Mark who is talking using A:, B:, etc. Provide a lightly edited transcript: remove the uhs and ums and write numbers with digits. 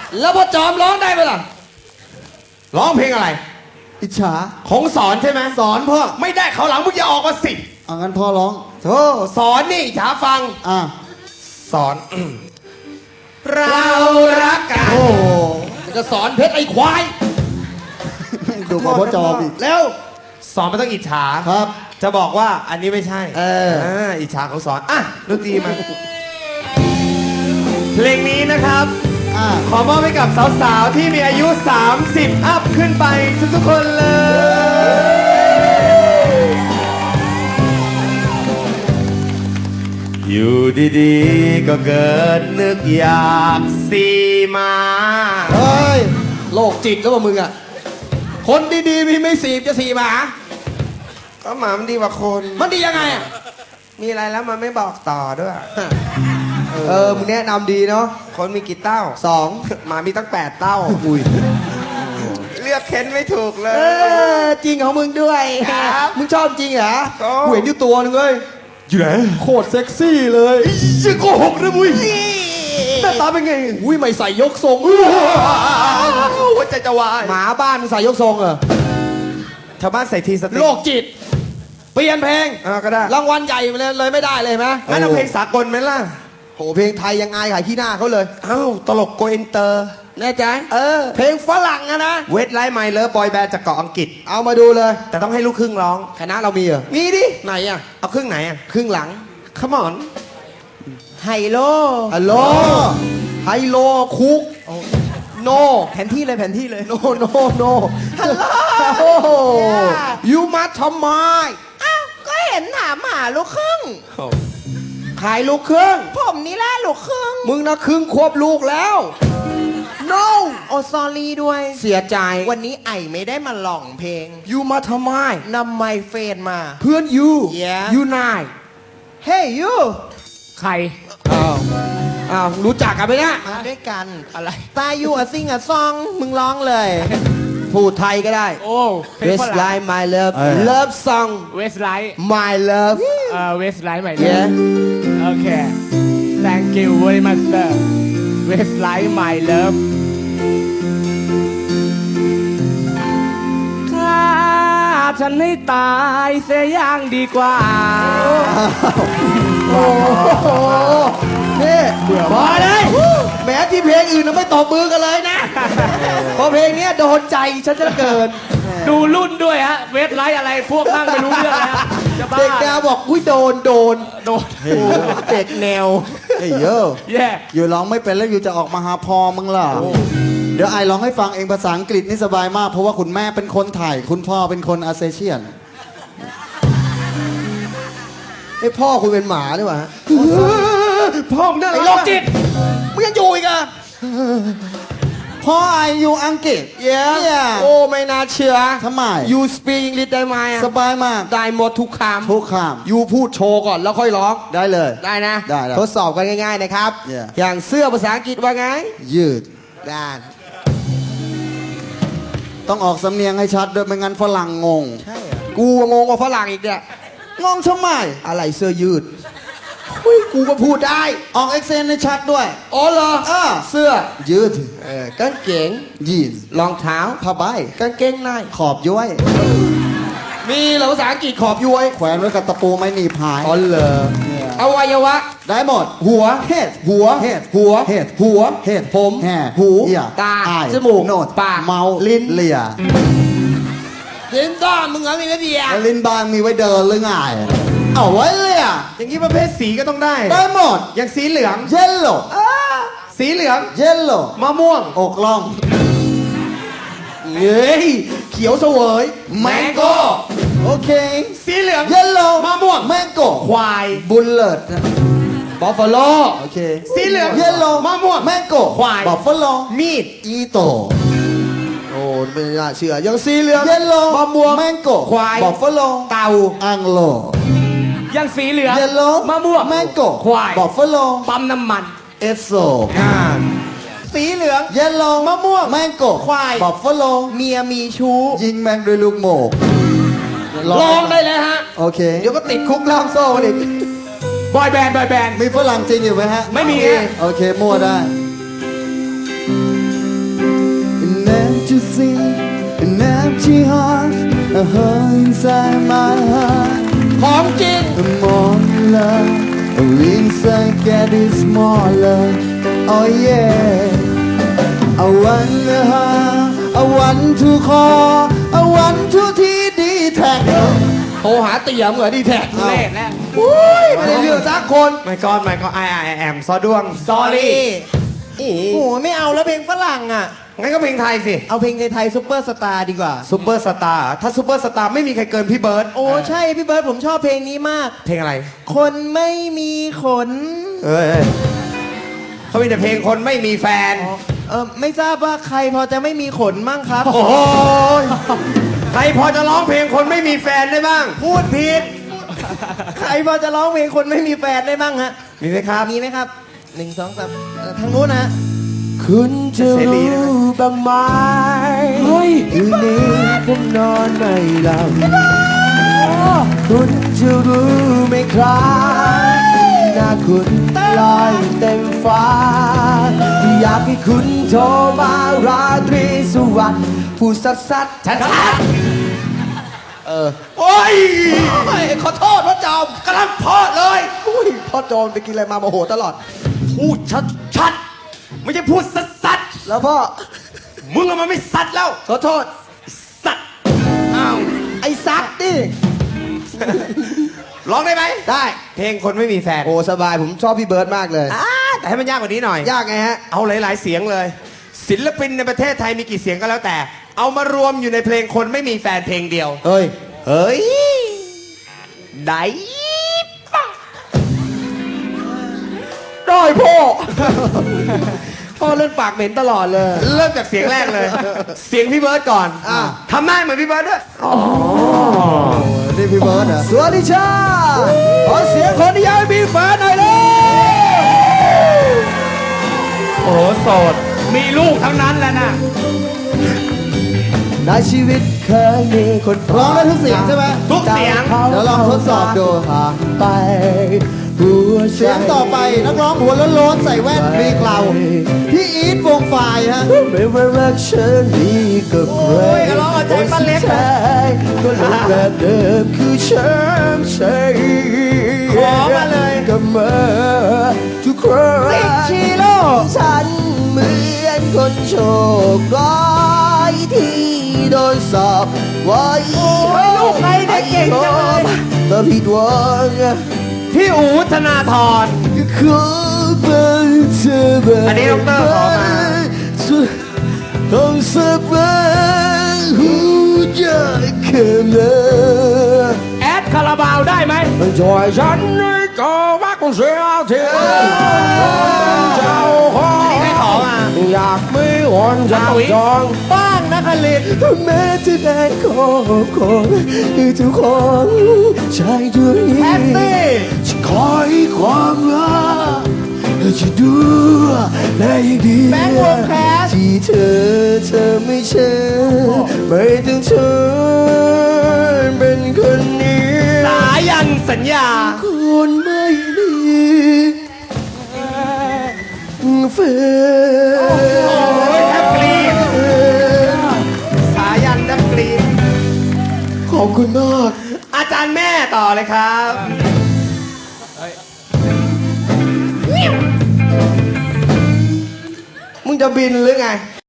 A: แล้วพ่อจอมร้องได้ไหมล่ะ
B: ร้องเพลงอะไร
C: อิจฉา
B: ของสอนใช่ไหม
C: สอนพ่อ
B: ไม่ได้เขาวหลังมึงอย่าออกมาสิ
C: งั้นพ่อร้อง
B: โธ่สอนนี่ฉาฟัง สอน เรารักกัน
C: โอ้โห
A: มันจะสอนเพชรไอ้ควาย
C: ดูกับพ่อจอมอีก
B: แล้วสอนไม่ต้องอิจฉา
C: ครับ
B: จะบอกว่าอันนี้ไม่ใช่
C: อิ
B: จฉาเขาสอนอ่ะดนตรีมา เพลงนี้นะครับ ขอมอบให้กับสาวๆ ที่มีอายุ 30 อัพขึ้นไปทุกๆคนเลย อยู่ดีๆ ก็เกิดนึกอยากสีมา
A: เฮ้ยโรคจิตแล้วว่ามึงอ่ะคนดีๆมีไม่สีบจะสีหมา
B: ก็หมามันดีกว่าคน
A: มันดียังไงอ่ะ
B: มีอะไรแล้วมันไม่บอกต่อด้วย
A: มึงแนะนำดีเนาะ
B: คนมีกี่เต้า หมามีตั้ง8 เต้า
A: อุ้ย
B: เลือกเค้นไม่ถูกเลย
A: จริงของมึงด้วย
B: ครับ
A: มึงชอบจริงเหรอ
B: ชอบ
A: กูเห็นอยู่ตัวนึงเลยอยู่ไหนโคตรเซ็กซี่เลยจะโกหกนะมุ้ยหน้าตาเป็นไงอุ้ยไม่ใส่ยกทรง
B: หัวใจจะวาย
A: หมาบ้านมึงใส่ยกทรงเหรอ
B: ชาวบ้านใส่ทีสติ
A: โรคจิต เปลี่ยนเพลง
B: ก็ได้
A: รางวัลใหญ่เลยไม่ได้เลยไหม
B: งั้นเอาเพลงสากลไหมล่ะ
A: โหเพลงไทยยังอายขายขี้หน้าเขาเลย
B: เอ้าตลกโกอินเตอร์
A: แน่ใจเพลงฝรั่งอะนะ
B: เวทไลท์ไมเลอร์บอยแบนด์จากเกาะอังกฤษ
A: เอามาดูเลย
B: แต่ต้องให้ลูกครึ่งร้อง
A: คณะเรามีเหรอ
B: มีดิ
A: ไหนอะ
B: เอาครึ่งไหนอ่ะ
A: ครึ่งหลัง
B: Come on
A: ไฮโลฮัลโหลไฮโลคุกโนแผนที่เลยแผนที่เลยโนฮัลโหลยูมาทำไมอ้าวก็เห็นถามหาลูกครึ่งขายลูกครึ่งผมนี่แหละลูกครึ่งมึงนะครึ่งควบลูกแล้ว no
D: โอซอรี่ด้วย
A: เสียใจ
D: วันนี้ไอไม่ได้มาหล่องเพลง
A: ยูมาทำไม
D: นำไมเฟนมา
A: เพื่อนยู
D: Yeah
A: ยูนาย
D: เฮ้ยยู
A: ใครอ้าวรู้จักกันไหมเนี่ย
D: มาด้วยกัน
A: อะไร
D: ตายูอะซิงอะซองมึงร้องเลย
A: พูดไทยก็ได้
E: โอ้เพลงฝ
A: West
E: รั่ง
A: Line My Love Love Song
E: เวสไลท์
A: My Love
E: เวสไลท์ใหม่เลย
A: yeah
E: โอเค thank you very much sir เวสไลท์ my love ถ้าฉันให้ตายเสียอย่างดีกว่า
A: โอ้โหนี่พอเลยแหมที่เพลงอื่นเราไม่ตบมือกันเลยนะ พอเพลงเนี้ยโดนใจฉันจะเกิน
E: ดูรุ่นด้วยฮะ เวสไลท์อะไรพวกนั่งไม่รู้เรื่องแล้วจะบ้า
A: เด็กแนวบอกอุ้ยโดน
E: โดน
A: เด็กแนว
C: เฮ้ยโย่
E: แย่
C: อยู่ร้องไม่เป็นแล้วอยู่จะออกมาหาพอมึงล่ะ เดี๋ยวไอร้องให้ฟังเองภาษาอังกฤษนี่สบายมาก เพราะว่าคุณแม่เป็นคนไทย คุณพ่อเป็นคนอาเซเชียน
A: ไอ้พ่อคุณเป็นหมาด้วยวะ
B: พ่อมึงน่า
A: ไอ้
B: รั
A: โร
B: ก
A: คจิตมึงยังอยู่อีกอะ
C: พ่อไออยู่อังกฤษ
A: Yeah โอ้ไม่น่าเชื่อ
C: ทำไม
A: You speak English ได้ไหมอะ
C: สบายมาก
A: ได้หมดทุกค
C: ทุกค
A: ำ You พูดโชว์ก่อนแล้วค่อยร้อง
C: ำได้เลย
A: ได้นะ
C: ได้
A: ทดสอบกันง่ายๆนะครับ
C: Yeah
A: อย่างเสื้อภาษาอังกฤษว่าไง
C: ยืด
A: ได้
C: ต้องออกสำเนียงให้ชัดด้วยไม่งั้นฝรั่งงง
A: ใช่กูงงกว่าฝรั่งอีกเนี่ย
C: งงทำไม
A: อะไรเสื้อยืดเฮ้ยกูก็พูดได้
C: ออกเอ็กเซนให้ชัดด้วย
A: อ๋อเหรอเสื้อ
C: ยืด
A: กางเกง
C: ยีนส์
A: รองเท้า
C: ผ้าใบ
A: กางเกงใน
C: ขอบย้วย
A: มีเหรอภาษาอังกฤษขอบย้วย
C: แขวนไว้กับตะปูไม่หนีบหาย
A: อ๋อเหรออวัยวะ
C: ได้หมด
A: หัว
C: เห็ด
A: หัว
C: เห็ด
A: หัว
C: เห็ด
A: หัว
C: เห็ด
A: ผม
C: แห่
A: หู
C: เอี่ย
A: ตา
C: อาย
A: จมูก
C: โนด
A: ปาก
C: เมา
A: ลิ้น
C: เลีย
A: ลิ้นด้านมึงเหรอมีไม่เดีย
C: แล้วลิ้นบางมีไว้เดินหรือไงเอาไว้เลีย
B: อย่างนี้ประเภทสีก็ต้องได้
C: ได้หมด
B: อย่างสีเหลือง
C: เยลโล่
B: สีเหลือง
C: เยลโล่
B: มะม่วง
C: อกล่อง
A: เฮ้ยเขียวเสวย
C: แมงโก้ โอเค
B: สีเหลือง
C: เยลโล่
B: มะม่วง
C: แมงโก้
B: ควาย
C: บุลเลต
A: บัฟฟาโล
C: โอเค
B: สีเหลือง
C: เยลโล่
B: มะม่วง
C: แมงโก้
B: ควาย
C: บัฟฟาโล
B: มีด
C: อีโต
A: โอ้ไม่น่าเชื่อยังสีเหลือง
C: เยลโล่
A: มะม่วง
C: แมงโก้
A: ควาย
C: บัฟฟาโล
A: เต่า
C: อังโล
E: ยังสีเหลือง
C: เยลโล่
E: มะม่วง
C: แมงโก้
E: ควาย
C: บัฟฟาโล
E: ปั๊มน้ำมัน
C: เอสโซ
A: สีเหลือง
C: เยลโล่มะม่วงแมงโก้
A: ควาย
C: บัฟฟาโล
A: เมียมีชู้
C: ยิงแมงด้วยลูกโมก
A: ลองได้เลยฮะ
C: โอเค
A: เดี๋ยวก็ติดคุกล่ามโซ่กันอีก
E: บอยแบนด์
C: มีฝรั่งจริงอยู่ไหมฮะ
E: ไม่มีฮะ
C: โอเค มั่วได้ to sing an empty heart, a hole inside my heart.
B: ของจริง
C: A more love, a inside get is smaller. Oh yeah. I want to have, I want to call, I want to D-Tech.
B: โทรหาเตี่ยมเหรอดีแท็ก
E: เล่นแล้ว
A: อุ้ยไม่ได้เรื่องสักคน
B: ไม่ก็I am ซอดวง
E: sorry
D: โอ้โหไม่เอาแล้วเพลงฝรั่งอ่ะ
B: งั้นก็เพลงไทยสิ
D: เอาเพลงไทยๆซุปเปอร์สตาร์ดีกว่า
B: ซูเปอร์สตาร์ถ้าซูเปอร์สตาร์ไม่มีใครเกินพี่เบิร์ด
D: โอ้ใช่พี่เบิร์ดผมชอบเพลงนี้มาก
B: เพลงอะไร
D: คนไม่มีขน
B: เอ้ยเขามีแต่เพลงคนไม่มีแฟน
D: ไม่ทราบว่าใครพอจะไม่มีขนมั่งครับ
B: โอ้โหใครพอจะร้องเพลงคนไม่มีแฟนได้บ้าง
D: พูดผิด ใครพอจะร้องเพลงคนไม่มีแฟนได้บ้างฮะ
B: มีไหมครับ
D: มีไหมครับหนึ่งสองสามทางนู้นนะ
A: คุณจะ
B: เสรีได้ไหม
A: รู้บ้างไหมคืนนี้ผมนอนไม่หลับคุณจะรู้ไหมครับหน้าคุณลอยเต็มฟ้า อยากให้คุณโทรมาราตรีสวัสดิ์พูดสัดๆชัด
B: โอ้ย
A: ๆขอโทษพ่อจอม
B: กำลังเพอเลย
A: อุ้ยพ่อจอมไปกินอะไรมาโมโหตลอด
B: พูดชัดๆไม่ใช่พูดสัด
A: แล้วพ่อ
B: ๆมึงอะมันไม่สัดแล้ว
A: ขอโทษ
B: สัด
A: อ้าวไอ้ซัดดิ
B: ร้องได้ไหม
A: ได้
B: เพลงคนไม่มีแฟน
A: โอ้สบายผมชอบพี่เบิร์ดมากเลย
B: แต่ให้มันยากกว่านี้หน่อย
A: ยากไงฮะ
B: เอาหลาย ๆ เสียงเลย ศิลปินในประเทศไทยมีกี่เสียงก็แล้วแต่ เอามารวมอยู่ในเพลงคนไม่มีแฟนเพลงเดียว
A: เฮ้ย
B: เฮ้ยได้ปะ
A: ได้พ่อ พ่อเล่นปากเหม็นตลอดเลย
B: เริ่มจากเสียงแรกเลย เสียงพี่เบิร์ดก่อน
A: อ่ะ
B: ทำหน้าเหมือนพี่เบิร์ดด้วย
C: นี่พี่เบิร์ดเหรอ
A: สวัสดีจ้าขอเสียงคนที่ยังไม่มีแฟนหน่อยเลย
E: โอ้โหโสด มีลูกทั้งนั้นแหละนะ
A: ในชีวิตเคยมีคน
C: ร้องได้ทุกเสียงใช่ไหม
B: ทุกเสียง
C: เดี๋ยวลองทดสอบดู
A: ผ่านไปหัวใจ
C: เสียงต่อไปนักร้องหัวโล้นๆใส่แว่นมีเคราวพี่อีทวงไฟล์ฮะ
A: ไม่ว่ารักฉันนี้ก็ใคร
B: โอ้ยร้องเอาใจป้าเล็ก
A: คนสุดท้ายก็หลงแบบเดิมคือฉันใช่
B: ขอมาเลย
A: กับมาทุกครั้ง
D: ติ๊กชิโร่
A: ฉันเหมือนคนโชคร้ายที่โดนสอบไว้
D: โอ้ยลูกใครได้เก่งจังเลย
A: แต่ผิดหวัง
B: พี่อู๋ธนาธร
A: ขอเป็นเธอแบบ
B: อันนี้ดรขอมา
A: ต้องสับเป็นหัวใจแค่ไหน
E: แอดคาราบาวได้ไหม
A: จอยฉันในก็ว่าคงเสียเทียเจ้าของ
B: ใครขอมา
A: อยากไม่อ่อนจับจอง
D: บ้างนะคลิต
A: แม้จะได้ขอบของทุกของใจด้วย
D: แพตตี้
A: จะคอยความรักจะดูแลอย่างดี
D: แบงค์วงแคส
A: ที่เธอไม่เชื่อไม่ต้องเธอเป็นคนนี้
B: สายันสัญญา
A: คนไม่มีแฟน
B: โอ้ยแทบกรี๊ด สายันแทบกรี๊ด
A: ขอบคุณมาก
B: อาจารย์แม่ต่อเลยครับ
A: มึงจะบินหรือไง